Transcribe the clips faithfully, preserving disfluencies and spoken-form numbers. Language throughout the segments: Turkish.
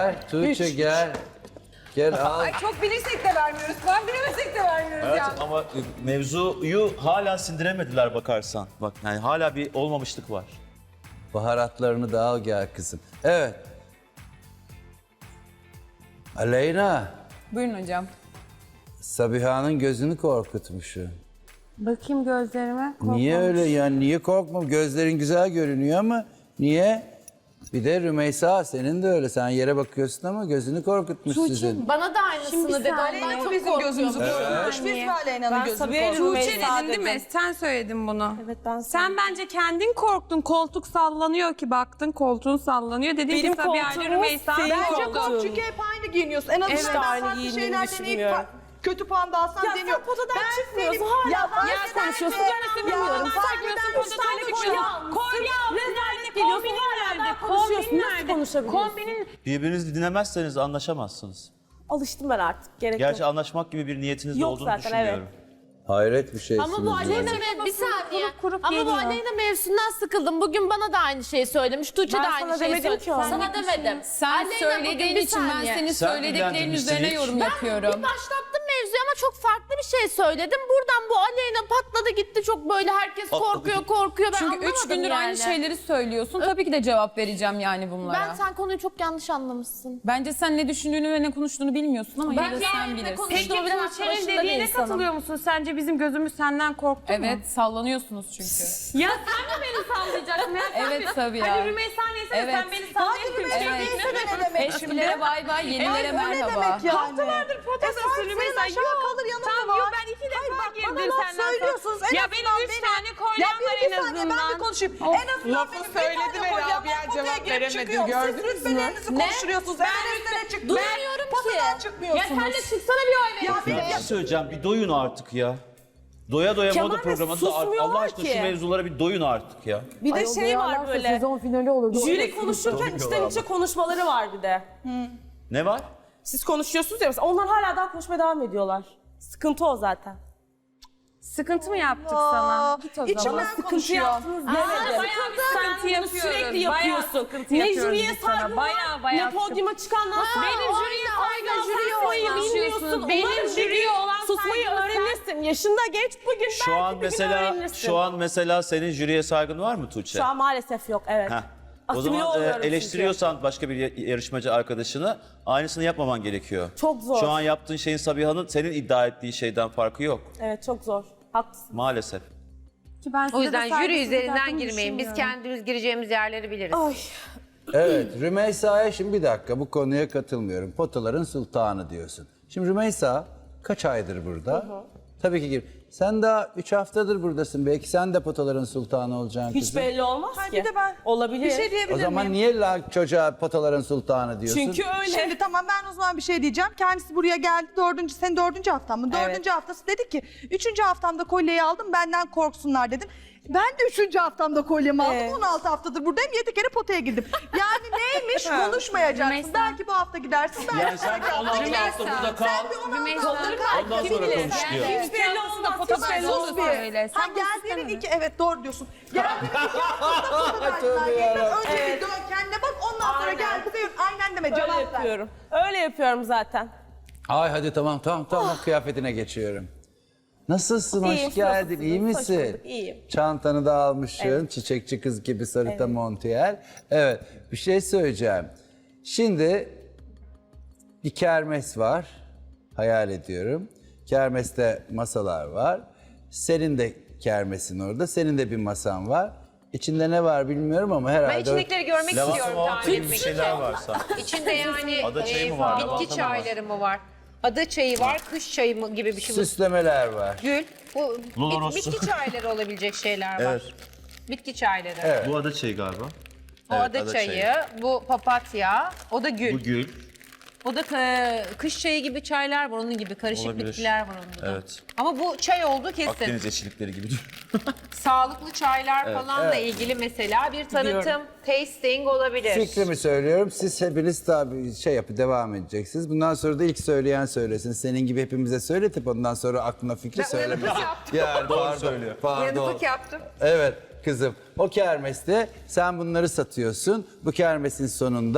Gel Tuğçe gel. Gel al. Ay çok bilirsek de vermiyoruz. Puan bilemesek de vermiyoruz Evet ya. ama mevzuyu hala sindiremediler bakarsan. Bak yani hala bir olmamışlık var. Baharatlarını da al gel kızım. Evet. Aleyna, Buyurun hocam. Sabiha'nın gözünü korkutmuşsun. Bakayım gözlerime. Niye öyle ya? Niye korkmam? Gözlerin güzel görünüyor ama niye? Bir de Rümeysa senin de öyle. Sen yere bakıyorsun ama gözünü korkutmuş sizin. Bana da aynısını dedi. Ondan çok Bizim gözümüzü korkuyorum. korkutmuş. Biz Aleyna'nın Ben gözünü Sabiha korkutmuş. Tuğçe Tuğçe dedin değil mi? Sen söyledin bunu. Evet, ben Sen söyledim. bence kendin korktun. Koltuk sallanıyor ki baktın koltuğun sallanıyor. Dedin Benim ki Sabiha ile koltuğum Rümeysa senin Bence koltuğun. kork çünkü hep aynı giyiniyorsun. En azından Evet, ben aynı farklı giyindiğimi şeyler deneyip düşünmüyorum. fa- kötü puan da alsam Ya deniyor. sen potadan çıkmıyorsun, hala Ya fark ya eden konuşuyorsun. şey. Ben bilmiyorum. Fark eden üç tane kolye almışsın. Kolye aldın, Rezalet nerede? geliyorsun, Kombinin hala nerede? daha konuşuyorsun. Kombinin Nasıl nerede? konuşabiliyorsun? Kombinin Birbirinizi dinlemezseniz anlaşamazsınız. Alıştım ben artık. Gerek Gerçi yok. anlaşmak gibi bir niyetiniz de Yok olduğunu zaten, düşünmüyorum. Hayret bir şeysiniz. Ama bu Aleyna yani. mev- bir saniye. kurup kurup Ama bu geliyor. Aleyna mevzusundan sıkıldım. Bugün bana da aynı şeyi söylemiş. Tuğçe Ben de sana aynı şeyi demedim söyledi. ki onu. Sana demedim. Sen Aleyna bugün söylediğin bir için ben saniye. senin Sen söylediklerin ilgilendirmişsin üzerine hiç. yorum Ben yapıyorum. bir başlattım mevzuyu ama çok farklı bir şey söyledim. Buradan bu Aleyna patladı gitti. Çok böyle herkes Patladı korkuyor gitti. korkuyor. Ben Çünkü üç anlamadım gündür yani. aynı şeyleri söylüyorsun. Tabii ki de cevap vereceğim yani bunlara. Ben sen konuyu çok yanlış anlamışsın. Bence sen ne düşündüğünü ve ne konuştuğunu bilmiyorsun ama yine de Ben sen ne bilirsin. konuştuğumu Peki bilen Tuğçe'nin başında bir dediğine insanım. katılıyor musun? Sence bizim gözümüz senden korktu mu? Evet, sallanıyorsunuz çünkü. Ya sen mi beni sallayacaksın? Ya sen Evet, beni- tabii ya. Hadi Rümeysa neyse de Evet. sen beni sallayacaksın. Evet. ne demek Eskilere bay bay, yenilere O ne merhaba. demek yani? Haftalardır protestasın E, sen- Rümeysa. senin aşağı Yok. kalır yanında Tamam var. yok ben iki Hayır, defa bak, girdim bana laf senden. söylüyorsunuz. En Ya azından benim üç benim- tane Ya kolyem bir var iki en saniye ben de azından. konuşayım. Of. En azından Lafı benim bir söyledi tane ve kolyem var, Rabia potaya cevap girip veremedi. çıkıyorum. Gördünüz Siz mü? rütbelerinizi Ne? konuşturuyorsunuz. Ben En üstlere çık. Duymuyorum ki. Potadan Ya çıkmıyorsunuz. sen de çıksana bir oy Ya verin. benim Bir şey söyleyeceğim, bir doyun artık ya. Doya doya Kemal moda Bey, programında susmuyorlar Allah aşkına ki. şu mevzulara bir doyun artık ya. Bir de şey var böyle. Sezon finali olurdu. Jüri konuşurken içten içe konuşmaları var bir de. Ne var? Siz konuşuyorsunuz ya mesela onlar hala daha konuşmaya devam ediyorlar. Sıkıntı o zaten. Sıkıntı mı yaptık sana? Git o İçimden zaman. Sıkıntı konuşuyor. yaptınız demedim. Bayağı bir sıkıntı Bunu yapıyoruz. sürekli Bayağı yapıyorsun. sıkıntı Ne yapıyoruz jüriye biz sana. saygın var, Bayağı bayağı ne podyuma çıkandan sonra. Benim jüriye saygım susmayı bilmiyorsun. Benim Umarım jüriye bir gün olan susmayı saygımı sen- öğrenirsin. Yaşında geç bugün Şu belki an bir gün mesela öğrenirsin. şu an mesela senin jüriye saygın var mı Tuğçe? Şu an maalesef yok evet. Heh. O Asimile zaman e, oluyorum çünkü. eleştiriyorsan başka bir ya- yarışmacı arkadaşını aynısını yapmaman gerekiyor. Çok zor. Şu an yaptığın şeyin Sabiha'nın senin iddia ettiği şeyden farkı yok Evet çok zor. Haklısın. maalesef. Ki ben size O de yüzden jüri saygısızlık üzerinden yaptığımı girmeyin. Biz düşünmüyorum. kendimiz gireceğimiz yerleri biliriz. Ay. Evet, Rümeysa'ya şimdi bir dakika bu konuya katılmıyorum. Potaların sultanı diyorsun. Şimdi Rümeysa kaç aydır burada? Tabii ki gir. Sen daha üç haftadır buradasın. Belki sen de potaların sultanı olacaksın Hiç kızım. belli olmaz Hadi ki. de ben Olabilir. bir şey diyebilir O zaman miyim? niye la çocuğa potaların sultanı diyorsun? Çünkü öyle. Şimdi tamam ben o zaman bir şey diyeceğim. Kendisi buraya geldi dördüncü, senin dördüncü haftan mı? Evet. Dördüncü haftası dedi ki, üçüncü haftamda kolyeyi aldım benden korksunlar dedim. Ben de üçüncü haftamda kolyemi aldım. Evet. on altı haftadır buradayım. Yedi kere potaya girdim. Yani neymiş konuşmayacaksın. Rümeysa. Belki bu hafta gidersin. Belki Yani sen on altı hafta burada kal. Sen bir on altı hafta kal. Ondan Kim sonra bilir? konuş diyor. Hiç belli olmaz. Pota Hiç belli belli olmaz. olur öyle. Ha Sen bu geldiğinin sistemi- iki, evet doğru diyorsun. Geldiğinin iki haftada Tövbe yarabbim. Önce bir dön kendine bak ondan sonra Aynen. gel bize aynen deme Öyle cevap ver. yapıyorum. Öyle yapıyorum zaten. Ay hadi tamam tamam tamam kıyafetine geçiyorum. Nasılsın? İyiyim, Hoş geldin. nasılsınız? İyi Hoş misin? bulduk, iyiyim. Çantanı da almışsın. Çiçekçi kız gibi sarıta montiyer. Evet. Bir şey söyleyeceğim. Şimdi bir kermes var. Hayal ediyorum. Kermeste masalar var. Senin de kermesin orada. Senin de bir masan var. İçinde ne var bilmiyorum ama herhalde... Ben içindekileri görmek Lavabo istiyorum gibi tahmin etmek bir için. şeyler var sanki. İçinde yani Ada çayı e, mı var, bitki lavanta mı var? çayları mı var? Ada çayı var, kış çayı mı gibi bir şey. Bu Süslemeler var. gül. Bu Lolo bit- Rosso. bitki çayları olabilecek şeyler var. Evet. Bitki çayları. Evet. Bu ada çayı galiba. O Evet, ada, ada çayı, çayı. bu papatya, o da gül. Bu gül. O da e, kış çayı gibi çaylar var onun gibi, karışık Olabilir. bitkiler var onun gibi. Evet. Ama bu çay oldu kesin. Akdeniz eşlikleri gibi. Sağlıklı çaylar falanla ilgili mesela bir tanıtım, tasting olabilir. Fikrimi söylüyorum. Siz hepiniz tabii şey yapıp devam edeceksiniz. Bundan sonra da ilk söyleyen söylesin. Senin gibi hepimize söyletip ondan sonra aklına fikri Ben söylemesin. uyanıklık yaptım. Yani pardon, söylüyor. Pardon. Uyanıklık yaptım. Evet kızım. O kermeste sen bunları satıyorsun. Bu kermesin sonunda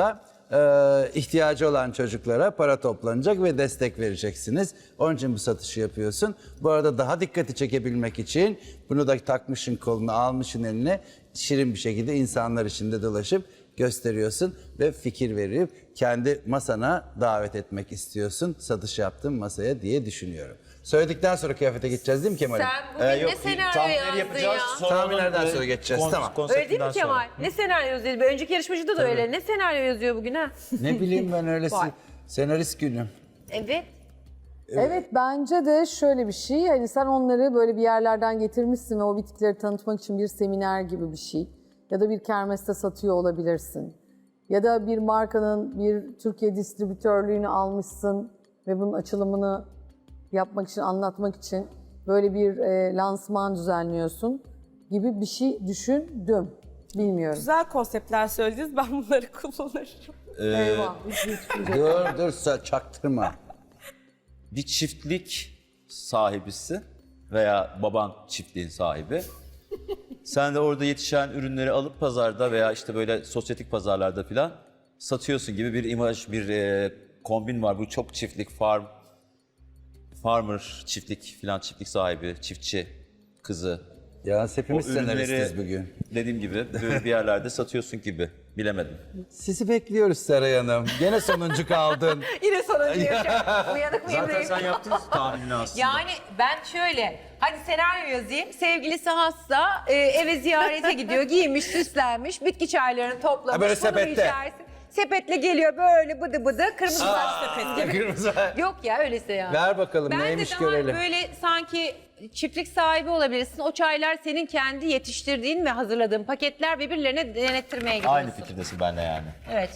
e, ihtiyacı olan çocuklara para toplanacak ve destek vereceksiniz. Onun için bu satışı yapıyorsun. Bu arada daha dikkati çekebilmek için bunu da takmışın koluna, almışın eline, şirin bir şekilde insanlar içinde dolaşıp gösteriyorsun ve fikir verip kendi masana davet etmek istiyorsun. Satış yaptığın masaya diye düşünüyorum. Söyledikten sonra kıyafete gideceğiz değil mi Kemal'im? Sen bugün Ee, yok, ne senaryo tahminleri yazdın yapacağız. ya? Sonra Tahminlerden onun, sonra e, geçeceğiz, kon- tamam. Öyle değil mi konseptinden Kemal? sonra. Ne senaryo yazıyor? Bir önceki yarışmacıda da öyle. Ne senaryo yazıyor bugün ha? Ne bileyim ben öylesi senarist günüm. Evet. Evet bence de şöyle bir şey. Hani sen onları böyle bir yerlerden getirmişsin ve o bitkileri tanıtmak için bir seminer gibi bir şey. Ya da bir kermeste satıyor olabilirsin. Ya da bir markanın bir Türkiye distribütörlüğünü almışsın ve bunun açılımını yapmak için, anlatmak için böyle bir e, lansman düzenliyorsun gibi bir şey düşündüm. Bilmiyorum. Güzel konseptler söylediniz. Ben bunları kullanırım. Eyvah. hiç- hiç- Dur dur sa- çaktırma. Bir çiftlik sahibisin veya baban çiftliğin sahibi. Sen de orada yetişen ürünleri alıp pazarda veya işte böyle sosyetik pazarlarda filan satıyorsun gibi bir imaj, bir e, kombin var. Bu çok çiftlik, farm, farmer, çiftlik filan, çiftlik sahibi, çiftçi kızı. Ya hepimiz O ürünleri senaristiz bugün. dediğim gibi böyle bir yerlerde satıyorsun gibi. Bilemedim. Sizi bekliyoruz Seray Hanım. Gene sonuncu kaldın. Yine sonuncu yaşam. Uyanık mıyım? Zaten değil sen mi? yaptın tahminini aslında. Yani ben şöyle, hadi senaryo yazayım. Sevgilisi hasta, e, eve ziyarete gidiyor, giymiş, süslenmiş, bitki çaylarını toplamış. Ha, böyle bunu sepette. içersin. Sepetle geliyor böyle bıdı bıdı, kırmızı saç sepet gibi. Kırmızı. Yok ya öyleyse ya. Ver bakalım Ben neymiş de daha görelim. böyle sanki çiftlik sahibi olabilirsin. O çaylar senin kendi yetiştirdiğin ve hazırladığın paketler ve birilerine denettirmeye gidiyorsun. Aynı fikirdesin benimle yani. Evet.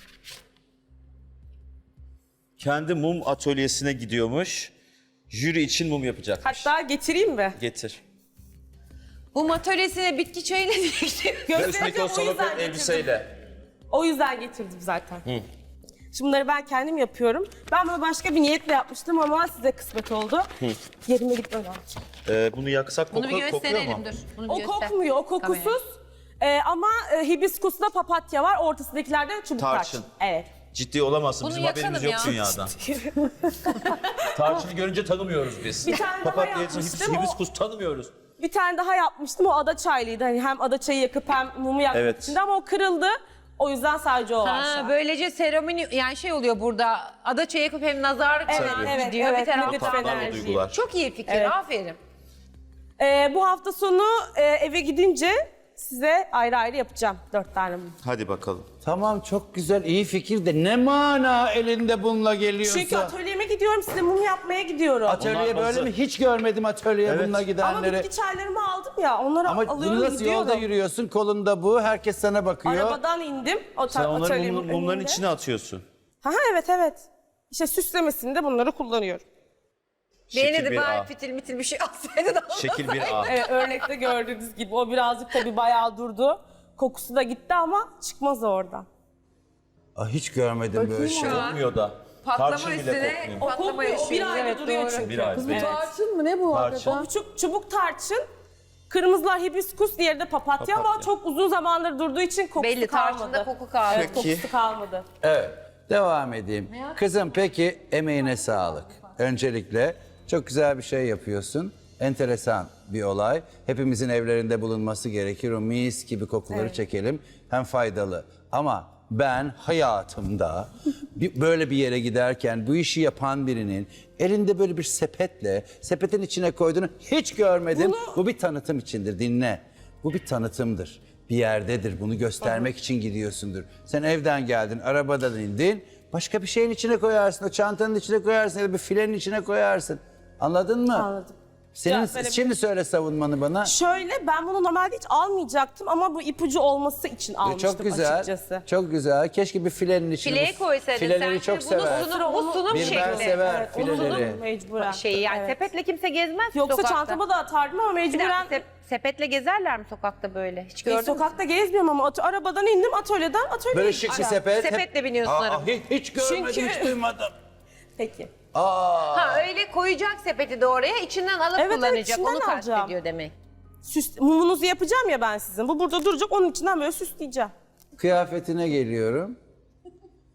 Kendi mum atölyesine gidiyormuş. Jüri için mum yapacakmış. Hatta getireyim mi? Getir. Bu atölyesine bitki çayıyla birlikte Göstereceğim, o yüzden getirdim. elbiseyle. O yüzden getirdim zaten. Şimdi bunları ben kendim yapıyorum. Ben bunu başka bir niyetle yapmıştım ama size kısmet oldu. Yerime gitmem lazım. Ee, bunu yaksak Bunu bir koku, kokuyor gösterelim mu? dur. Bunu O bir göster. kokmuyor, o kokusuz. Ee, ama e, hibiskusla papatya var, ortasındakilerde çubuk Tarçın. tarçın. Evet. Ciddi olamazsın. Bunu Bizim haberimiz yok yakalım ya. dünyadan. Tarçını görünce tanımıyoruz biz. Bir tane daha Papatya, yapmıştım, o- hibiskus tanımıyoruz. Bir tane daha yapmıştım, o ada çaylıydı. Hani hem ada çayı yakıp hem mumu yakmak Evet. için de ama o kırıldı. O yüzden sadece o var şu Ha, an. böylece seremoni yani şey oluyor burada. Ada çayı yakıp hem nazarlık Evet, falan evet, gidiyor. evet, bir taraftan negatif da- enerji. duygular. Çok iyi fikir. Evet. Aferin. Ee, bu hafta sonu e, eve gidince size ayrı ayrı yapacağım dört tane mum. Hadi bakalım. Tamam çok güzel iyi fikir de ne mana elinde bununla geliyorsa. Çünkü atölyeme gidiyorum, size mum yapmaya gidiyorum. Atölyeye Onlar böyle hazır. mi? Hiç görmedim atölyeye Evet. bununla Ama gidenleri. bitki çaylarımı aldım ya, onları Ama alıyorum bunu nasıl gidiyorum. yolda yürüyorsun? Kolunda bu. Herkes sana bakıyor. Arabadan indim. O Sen onları atölyemin mum- mumların önünde. içine atıyorsun. Ha ha, evet evet. İşte süslemesinde bunları kullanıyorum. Beni Şekil de bir bari A. fitil mitil bir şey alsaydı da. Şekil bir A. Evet, örnekte gördüğünüz gibi o birazcık tabii bayağı durdu. Kokusu da gitti ama çıkmaz oradan. Aa, hiç görmedim böyle şey. Kokmuyor da. Patlama Tarçın bile üstüne kokmuyor. O patlama kokmuyor, o bir yaşıyor. ayda Evet duruyor doğru. çünkü. Bir ay. Kız bu Evet. tarçın mı? Ne bu Tarçın. hakikaten? O çubuk, çubuk tarçın, kırmızılar hibiskus, diğeri de papatya, ama Papatya. çok uzun zamandır durduğu için kokusu Belli kalmadı. tarçında koku kaldı. Evet, kokusu kalmadı. Evet. Devam edeyim. Kızım peki emeğine sağlık. Öncelikle çok güzel bir şey yapıyorsun. Enteresan bir olay. Hepimizin evlerinde bulunması gerekir. O mis gibi kokuları çekelim. Hem faydalı. Ama ben hayatımda bir- böyle bir yere giderken bu işi yapan birinin elinde böyle bir sepetle sepetin içine koyduğunu hiç görmedim. Bu bir tanıtım içindir. Dinle. Bu bir tanıtımdır. Bir yerdedir. Bunu göstermek için gidiyorsundur. Sen evden geldin, arabadan indin. Başka bir şeyin içine koyarsın. O çantanın içine koyarsın ya da bir filenin içine koyarsın. Anladın mı? Anladım. Senin Ya, böyle- şimdi söyle savunmanı bana. Şöyle, ben bunu normalde hiç almayacaktım ama bu ipucu olması için almıştım Çok güzel. açıkçası. Çok güzel. Keşke bir filenin içine. Fileye bu- koysaydın Fileleri sen. çok Bunu sever. sunum, bu sunum Bir ben şekli. sever Evet, onu fileleri. mecburen. Şeyi yani Evet. sepetle kimse gezmez ki Yoksa sokakta. çantama da atardım ama Bir dakika, mecburen. sep- sepetle gezerler mi sokakta böyle? Hiç E, gördün mü? sokakta gezmiyorum ama at- arabadan indim, atölyeden atölyeye Böyle şık bir gideceğim. sepet. hep- Sepetle biniyorsun Aa, araba. hiç, hiç görmedim, Çünkü- hiç duymadım. Peki. Aa. Ha öyle koyacak sepeti de oraya içinden alıp Evet, evet, kullanacak. içinden Onu alacağım. kastediyor demek. Süs, mumunuzu yapacağım ya ben sizin. Bu burada duracak, onun içinden böyle süsleyeceğim. Kıyafetine geliyorum.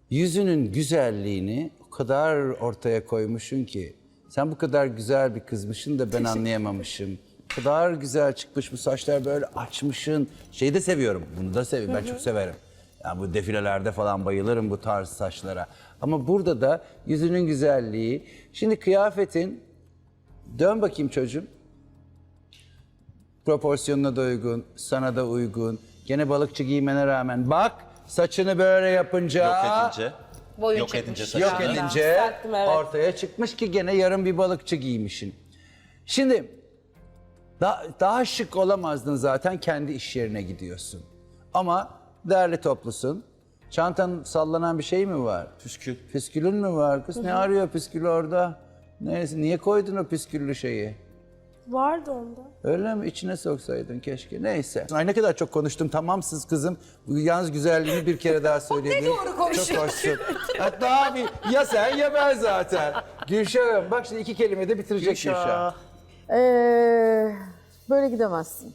yüzünün güzelliğini o kadar ortaya koymuşsun ki. Sen bu kadar güzel bir kızmışsın da ben anlayamamışım. O kadar güzel çıkmış bu saçlar, böyle açmışsın. Şeyi de seviyorum, bunu da seviyorum. Ben çok severim. Yani bu defilelerde falan bayılırım bu tarz saçlara. Ama burada da yüzünün güzelliği. Şimdi kıyafetin, dön bakayım çocuğum. Proporsiyonuna da uygun, sana da uygun. Gene balıkçı giymene rağmen bak saçını böyle yapınca... Yok edince. Boyun yok çıkmış. edince Yok saçını. edince Düzelttim, evet. ortaya çıkmış ki gene yarın bir balıkçı giymişsin. Şimdi daha, daha şık olamazdın zaten, kendi iş yerine gidiyorsun. Ama derli toplusun. Çantanın sallanan bir şey mi var? Püskül. Püskülün mü var kız? Ne arıyor püskül orada? Neyse, niye koydun o püsküllü şeyi? Vardı onda. Öyle mi? İçine soksaydın keşke. Neyse. Ay ne kadar çok konuştum. Tamamsız kızım. Bu yalnız güzelliğini bir kere daha söyleyebilirim. Ne doğru konuşuyor. Çok hoşsun. Hatta abi ya sen ya ben zaten. Gülşah'ım bak şimdi iki kelime de bitirecek Gülşah. Ee, böyle gidemezsin.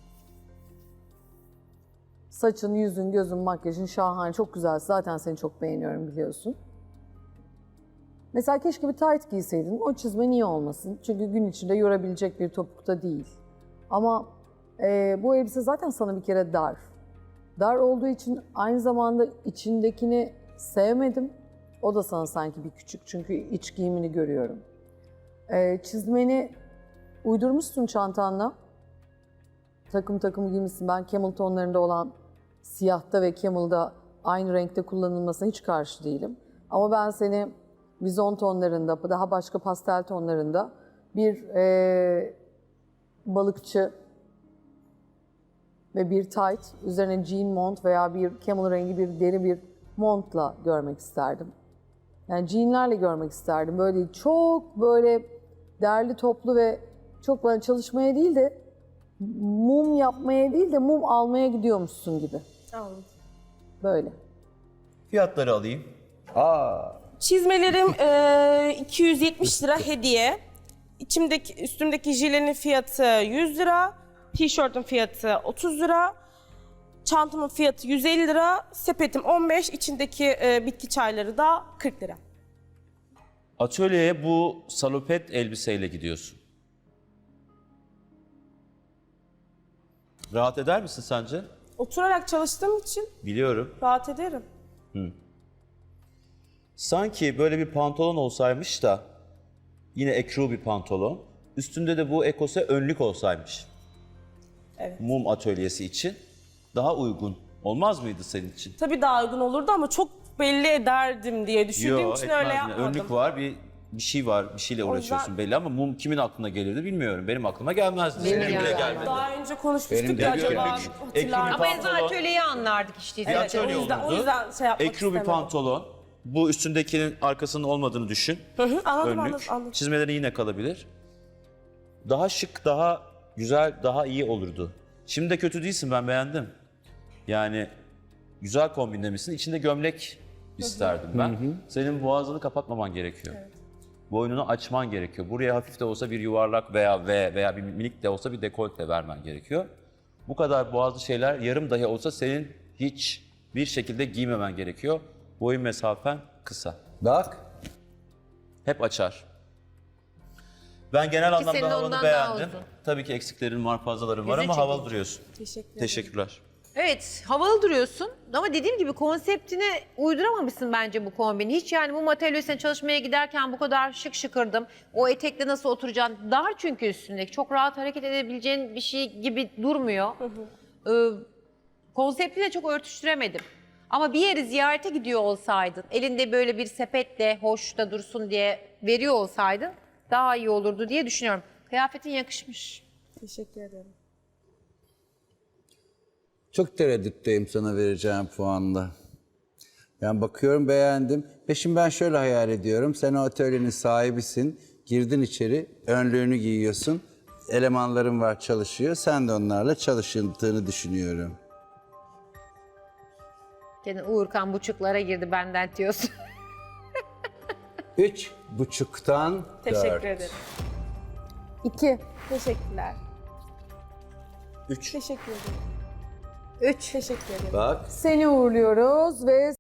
Saçın, yüzün, gözün, makyajın şahane, çok güzel. Zaten seni çok beğeniyorum biliyorsun. Mesela keşke bir tight giyseydin. O çizme niye olmasın? Çünkü gün içinde yorabilecek bir topukta değil. Ama e, bu elbise zaten sana bir kere dar. Dar olduğu için aynı zamanda içindekini sevmedim. O da sana sanki bir küçük, çünkü iç giyimini görüyorum. E, çizmeni uydurmuşsun çantanla. Takım takım giymişsin. Ben camel tonlarında olan siyahta ve camel'da aynı renkte kullanılmasına hiç karşı değilim. Ama ben seni vizon tonlarında, daha başka pastel tonlarında bir e, balıkçı ve bir tight, üzerine jean mont veya bir camel rengi bir deri bir montla görmek isterdim. Yani jeanlerle görmek isterdim. Böyle değil, çok böyle derli toplu ve çok böyle çalışmaya değil de mum yapmaya değil de mum almaya gidiyormuşsun gibi. Anladım. Böyle. Fiyatları alayım. Aa. Çizmelerim eee, iki yüz yetmiş lira hediye. İçimdeki, üstümdeki jilenin fiyatı yüz lira. Tişörtün fiyatı otuz lira. Çantamın fiyatı yüz elli lira. Sepetim on beş. İçindeki eee, bitki çayları da kırk lira. Atölyeye bu salopet elbiseyle gidiyorsun. Rahat eder misin sence? Oturarak çalıştığım için Biliyorum. rahat ederim. Sanki böyle bir pantolon olsaymış da yine ekru bir pantolon. Üstünde de bu ekose önlük olsaymış. Evet. Mum atölyesi için daha uygun olmaz mıydı senin için? Tabii daha uygun olurdu ama çok belli ederdim diye düşündüğüm Yo, için etmez öyle yine. yapmadım. Önlük var, bir bir şey var, bir şeyle uğraşıyorsun belli ama mum kimin aklına gelirdi bilmiyorum. Benim aklıma gelmezdi. Senin bile gelmedi. gelmedi. Daha önce konuşmuştuk Benim de ya bir acaba önlük, hatırlar ekru bir Ama en azından Pantolon. atölyeyi anlardık işte. Bir Evet, atölye o yüzden- olurdu. o yüzden şey yapmak Ekru bir istemedim. pantolon. Bu üstündekinin arkasının olmadığını düşün. Hı hı, anladım, Önlük. anladım, anladım. Çizmeleri yine kalabilir. Daha şık, daha güzel, daha iyi olurdu. Şimdi de kötü değilsin, ben beğendim. Yani güzel kombinlemişsin. İçinde gömlek isterdim ben. Senin boğazını kapatmaman gerekiyor. Boynunu açman gerekiyor. Buraya hafif de olsa bir yuvarlak veya V veya bir minik de olsa bir dekolte vermen gerekiyor. Bu kadar boğazlı şeyler yarım dahi olsa senin hiç bir şekilde giymemen gerekiyor. Boyun mesafen kısa. Bak. Hep açar. Ben genel senin anlamda havanı ondan daha beğendim. uzun. Tabii ki eksiklerin var, fazlaların var Yüzün ama havalı çekici. duruyorsun. Teşekkür ederim. Teşekkürler. Evet, havalı duruyorsun ama dediğim gibi konseptine uyduramamışsın bence bu kombini. Hiç yani bu atölyesine çalışmaya giderken bu kadar şık şıkırdım. O etekle nasıl oturacaksın? Dar çünkü üstündeki. Çok rahat hareket edebileceğin bir şey gibi durmuyor. Ee, konseptiyle çok örtüştüremedim. Ama bir yeri ziyarete gidiyor olsaydın, elinde böyle bir sepetle hoş da dursun diye veriyor olsaydın daha iyi olurdu diye düşünüyorum. Kıyafetin yakışmış. Teşekkür ederim. Çok tereddütteyim sana vereceğim puanla. Yani bakıyorum beğendim. Ve şimdi ben şöyle hayal ediyorum. Sen o atölyenin sahibisin. Girdin içeri, önlüğünü giyiyorsun. Elemanların var çalışıyor. Sen de onlarla çalıştığını düşünüyorum. Senin Uğurkan buçuklara girdi benden diyorsun. Üç buçuktan Teşekkür dört. ederim. İki. Teşekkürler. Üç. Teşekkür ederim. Üç. Teşekkür ederim. Bak. Seni uğurluyoruz ve